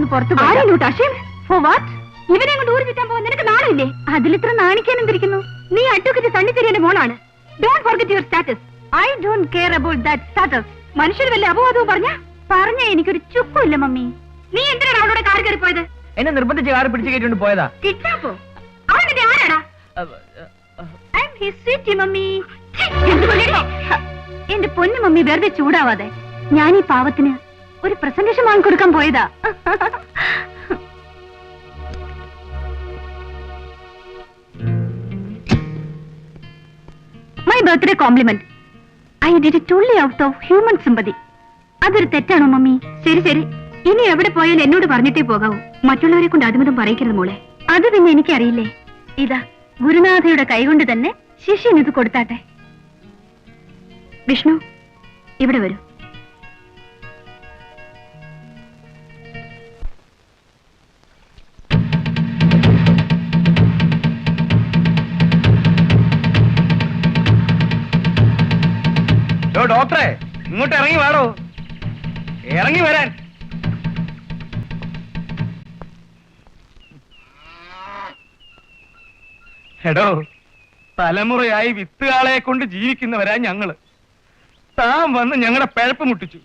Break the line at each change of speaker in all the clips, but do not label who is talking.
പുറത്തു ഇവനെ കൊണ്ട് ഊരി ചുറ്റാൻ പോകാൻ നിനക്ക് നാണില്ലേ? അതിലിത്ര നാണിക്കാൻ എന്തിരിക്കുന്നു? നീ അഡ്വക്കേറ്റ് സണ്ണിച്ചെറിയുടെ മോളാണ്. Don't forget your status. I don't care about that status. മനുഷ്യർ വല്ല അപവാദവും പറഞ്ഞ എനിക്കൊരു ചുക്കുമില്ല മമ്മി. നീ എന്തിനാണ് അവളോട് കാർ കയറി പോയത്?
എന്നെ നിർബന്ധിച്ച് കാർ പിടിച്ചു കയറ്റിക്കൊണ്ട് പോയതാ.
കിഡ്നാപ്പോ? അവൻ നിന്റെ ആരാടാ? I am his sweet mummy. എന്റെ പൊന്നു മമ്മി വെറുതെ ചൂടാവാതെ. ഞാൻ ഈ പാവത്തിന് ഒരു പ്രസന്റേഷൻ വാങ്ങിക്കൊടുക്കാൻ പോയതാ. My birthday compliment. I did it only out of human sympathy. അതൊരു തെറ്റാണോ മമ്മി? ശരി ശരി, ഇനി എവിടെ പോയാലും എന്നോട് പറഞ്ഞിട്ടേ പോകാവൂ. മറ്റുള്ളവരെ കൊണ്ട് അതുമതും പറയിക്കരുത് മോളെ. അത് പിന്നെ എനിക്കറിയില്ലേ. ഇതാ ഗുരുനാഥയുടെ കൈകൊണ്ട് തന്നെ ശിഷ്യൻ ഇത് കൊടുത്താട്ടെ. വിഷ്ണു, ഇവിടെ വരൂ.
ഡോക്ടറെ, ഇങ്ങോട്ട് ഇറങ്ങി വാടോ. ഇറങ്ങി വരാൻ. എടോ, തലമുറയായി വിത്തുകാളെ കൊണ്ട് ജീവിക്കുന്നവരാ ഞങ്ങള്. താൻ വന്ന് ഞങ്ങളുടെ പിഴപ്പ് മുട്ടിച്ചു.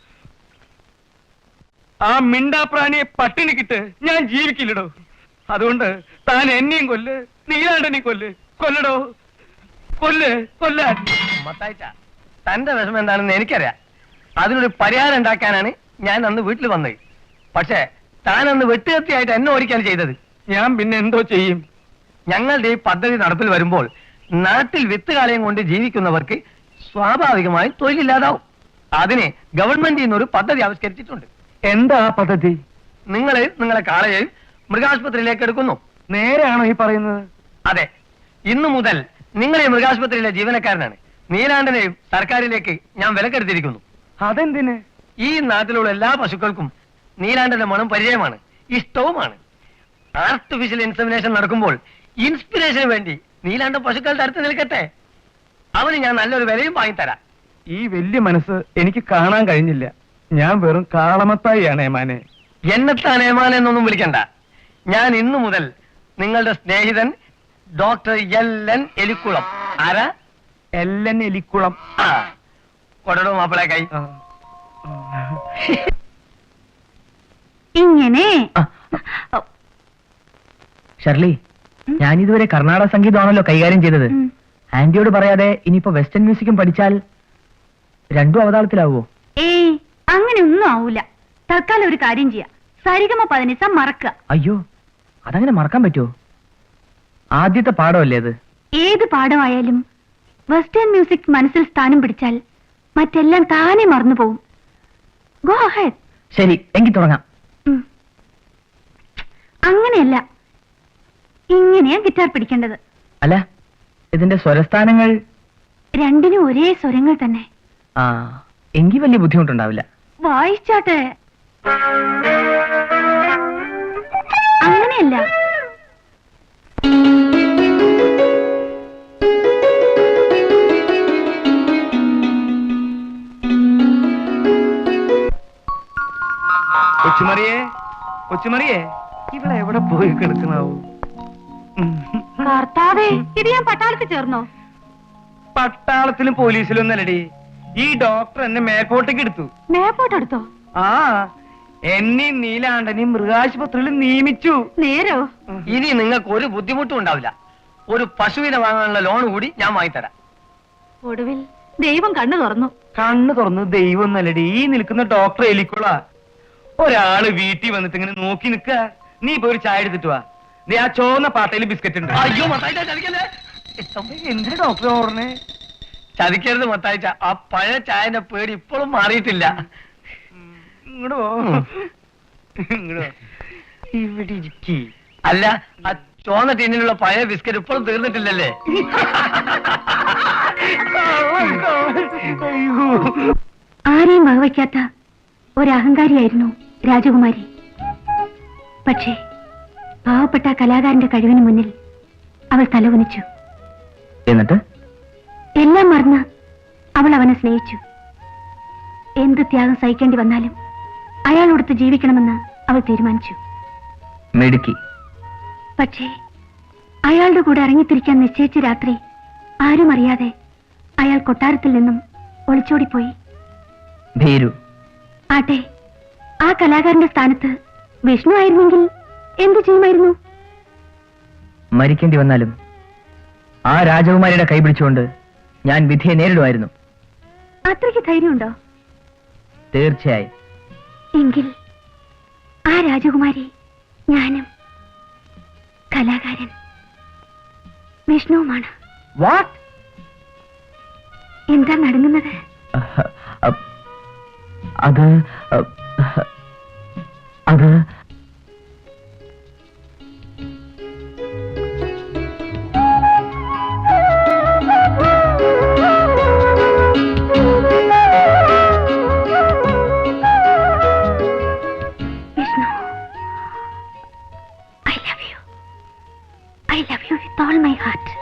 ആ മിണ്ടാപ്രാണിയെ പട്ടിണിക്കിട്ട് ഞാൻ ജീവിക്കില്ലടോ. അതുകൊണ്ട് താൻ എന്നെയും കൊല്ല്, നീലാണ്ടനെയും കൊല്ലടോ. കൊല്ലാൻ. തന്റെ വിഷമം എന്താണെന്ന് എനിക്കറിയാം. അതിനൊരു പരിഹാരം ഉണ്ടാക്കാനാണ് ഞാൻ അന്ന് വീട്ടിൽ വന്നത്. പക്ഷേ താൻ അന്ന് വെട്ടുകത്തിയായിട്ട് എന്നെ ഓടിക്കാൻ ചെയ്തത്. ഞാൻ പിന്നെ എന്തോ ചെയ്യും? ഞങ്ങളുടെ ഈ പദ്ധതി നടപ്പിൽ വരുമ്പോൾ നാട്ടിൽ വിത്തുകാളയും കൊണ്ട് ജീവിക്കുന്നവർക്ക് സ്വാഭാവികമായും തൊഴിലില്ലാതാവും. അതിന് ഗവൺമെന്റിൽ നിന്നൊരു പദ്ധതി ആവിഷ്കരിച്ചിട്ടുണ്ട്. എന്താ പദ്ധതി? നിങ്ങളെ കാളയെയും മൃഗാശുപത്രിയിലേക്ക് എടുക്കുന്നു. നേരെയാണോ ഈ പറയുന്നത്? അതെ. ഇന്നു മുതൽ നിങ്ങളെ മൃഗാശുപത്രിയിലെ ജീവനക്കാരനാണ്. നീലാണ്ടനെയും സർക്കാരിലേക്ക് ഞാൻ വിലക്കെടുത്തിരിക്കുന്നു. അതെന്തിന്? ഈ നാട്ടിലുള്ള എല്ലാ പശുക്കൾക്കും നീലാണ്ടന്റെ മണം പരിചയമാണ്, ഇഷ്ടവുമാണ്. ആർട്ടിഫിഷ്യൽ ഇൻസെമിനേഷൻ നടക്കുമ്പോൾ ഇൻസ്പിറേഷന് വേണ്ടി നീലാണ്ടൻ പശുക്കളുടെ അടുത്ത് നിൽക്കട്ടെ. അവന് ഞാൻ നല്ലൊരു വിലയും വാങ്ങിത്തരാം. ഈ വലിയ മനസ്സ് എനിക്ക് കാണാൻ കഴിഞ്ഞില്ല. ഞാൻ വെറും കാളമത്തായിയാണ് ഏമാനെ. എന്നെത്താൻ ഏമാനെ എന്നൊന്നും വിളിക്കണ്ട. ഞാൻ ഇന്നു മുതൽ നിങ്ങളുടെ സ്നേഹിതൻ ഡോക്ടർ എൽ.എൻ. എലിക്കുളം. ആരാ? എൽ.എൻ. എലിക്കുളം. കൊടടോ മാപ്പിളെ കൈ.
ഇങ്ങനെ
ഷർലി, ഞാനിതുവരെ കർണാടക സംഗീതമാണല്ലോ കൈകാര്യം ചെയ്തത്. ആന്റിയോട് പറയാതെ ഇനിയിപ്പോ വെസ്റ്റേൺ മ്യൂസിക്കും പഠിച്ചാൽ രണ്ടും അവതാളത്തിലാവോ?
ഏയ്, അങ്ങനെ ഒന്നും ആവൂല. തൽക്കാലം ഒരു കാര്യം ചെയ്യാം. സരിഗമ പതിനിസ മറക്കുക.
അയ്യോ, അതങ്ങനെ മറക്കാൻ പറ്റുമോ? ആദ്യത്തെ പാഠമല്ലേ അത്?
ഏത് പാഠമായാലും വെസ്റ്റേൺ മ്യൂസിക് മനസ്സിൽ സ്ഥാനം പിടിച്ചാൽ മറ്റെല്ലാം താനെ മറന്നു പോവും. Go ahead.
ശരി, എങ്കിൽ തുടങ്ങാം.
അങ്ങനെയല്ല, ഇങ്ങനെയാ ഗിറ്റാർ പിടിക്കേണ്ടത്.
അല്ല, ഇതിന്റെ സ്വരസ്ഥാനങ്ങൾ
രണ്ടിനും ഒരേ സ്വരങ്ങൾ തന്നെ.
ആ, എങ്കിൽ വലിയ ബുദ്ധിമുട്ടുണ്ടാവില്ല.
വായിച്ചാട്ടെ. അങ്ങനെയല്ല,
കൊച്ചുമറിയേ, ഇവിടെ എവിടെ പോയി കിടക്കണാവൂ?
കർത്താവേ, ഇത് ഞാൻ പട്ടാളത്തിൽ ചേർന്നോ?
പട്ടാളത്തിലും പോലീസിലും ഒന്നല്ലടി. ഈ ഡോക്ടർ എന്നെ മേൽപോട്ടേക്ക് എടുത്തു.
മേപ്പോട്ടെടുത്തോ?
ആ, എന്നെയും നീലാണ്ടനെയും മൃഗാശുപത്രിയിൽ നിയമിച്ചു.
നേരോ?
ഇനി നിങ്ങൾക്ക് ഒരു ബുദ്ധിമുട്ടും ഉണ്ടാവില്ല. ഒരു പശുവിനെ വാങ്ങാനുള്ള ലോൺ കൂടി ഞാൻ വാങ്ങിത്തരാം.
ഒടുവിൽ ദൈവം കണ്ണു തുറന്നു.
കണ്ണു തുറന്നു ദൈവം എന്നല്ലടി, ഈ നിൽക്കുന്ന ഡോക്ടർ എലിക്കുള. ഒരാള് വീട്ടിൽ വന്നിട്ട് ഇങ്ങനെ നോക്കി നിക്ക. നീ പോയി ഒരു ചായ എടുത്തിട്ട് വാ. നീ ആ ചോന്ന പാട്ടയിൽ ബിസ്ക്കറ്റ് ഉണ്ട്. അയ്യോ, എന്തിനാ ഡോക്ടർ ഓർണേ? ചതിക്കരുത് മത്തായിച്ച. ആ പഴയ ചായന്റെ പേടി ഇപ്പോഴും മാറിയിട്ടില്ല. ഇങ്ങോട്ട് പോ, ഇങ്ങോട്ട് ഇവിടെ ഇരിക്കി. അല്ല, ആ ചോന്ന ടീനിലുള്ള പഴയ ബിസ്ക്കറ്റ് ഇപ്പോഴും തീർന്നിട്ടില്ലല്ലേ?
ആരെയും വകവയ്ക്കാത്ത ഒരഹങ്കാരിയായിരുന്നു രാജകുമാരി. പക്ഷേ പാവപ്പെട്ട കലാകാരന്റെ കഴിവിന് മുന്നിൽ അവൾ തലകുനിച്ചു.
എന്നിട്ട്
എല്ലാം മറന്ന് അവൾ അവനെ സ്നേഹിച്ചു. എന്ത് ത്യാഗം സഹിക്കേണ്ടി വന്നാലും അയാളോടൊത്ത് ജീവിക്കണമെന്ന് അവൾ തീരുമാനിച്ചു.
മിടുക്കി.
പക്ഷേ അയാളുടെ കൂടെ ഇറങ്ങിത്തിരിക്കാൻ നിശ്ചയിച്ച രാത്രി ആരും അറിയാതെ അയാൾ കൊട്ടാരത്തിൽ നിന്നും ഒളിച്ചോടിപ്പോയി.
ഭീരു.
ആട്ടെ, ആ കലാകാരന്റെ സ്ഥാനത്ത് വിഷ്ണു ആയിരുന്നെങ്കിൽ എന്തു ചെയ്യുമായിരുന്നു?
മരിക്കേണ്ടി വന്നാലും ആ രാജകുമാരിയുടെ കൈപിടിച്ചുകൊണ്ട് ഞാൻ വിധിയെ നേരിടുമായിരുന്നു.
അത്രയ്ക്ക് ധൈര്യമുണ്ടോ?
തീർച്ചയായും.
എങ്കിൽ ആ രാജകുമാരി ഞാനും കലാകാരൻ വിഷ്ണുവുമാണ്.
വാട്ട്?
എന്താ നടങ്ങുന്നത്?
അത് അത്
Vishnu, I love you with all my heart.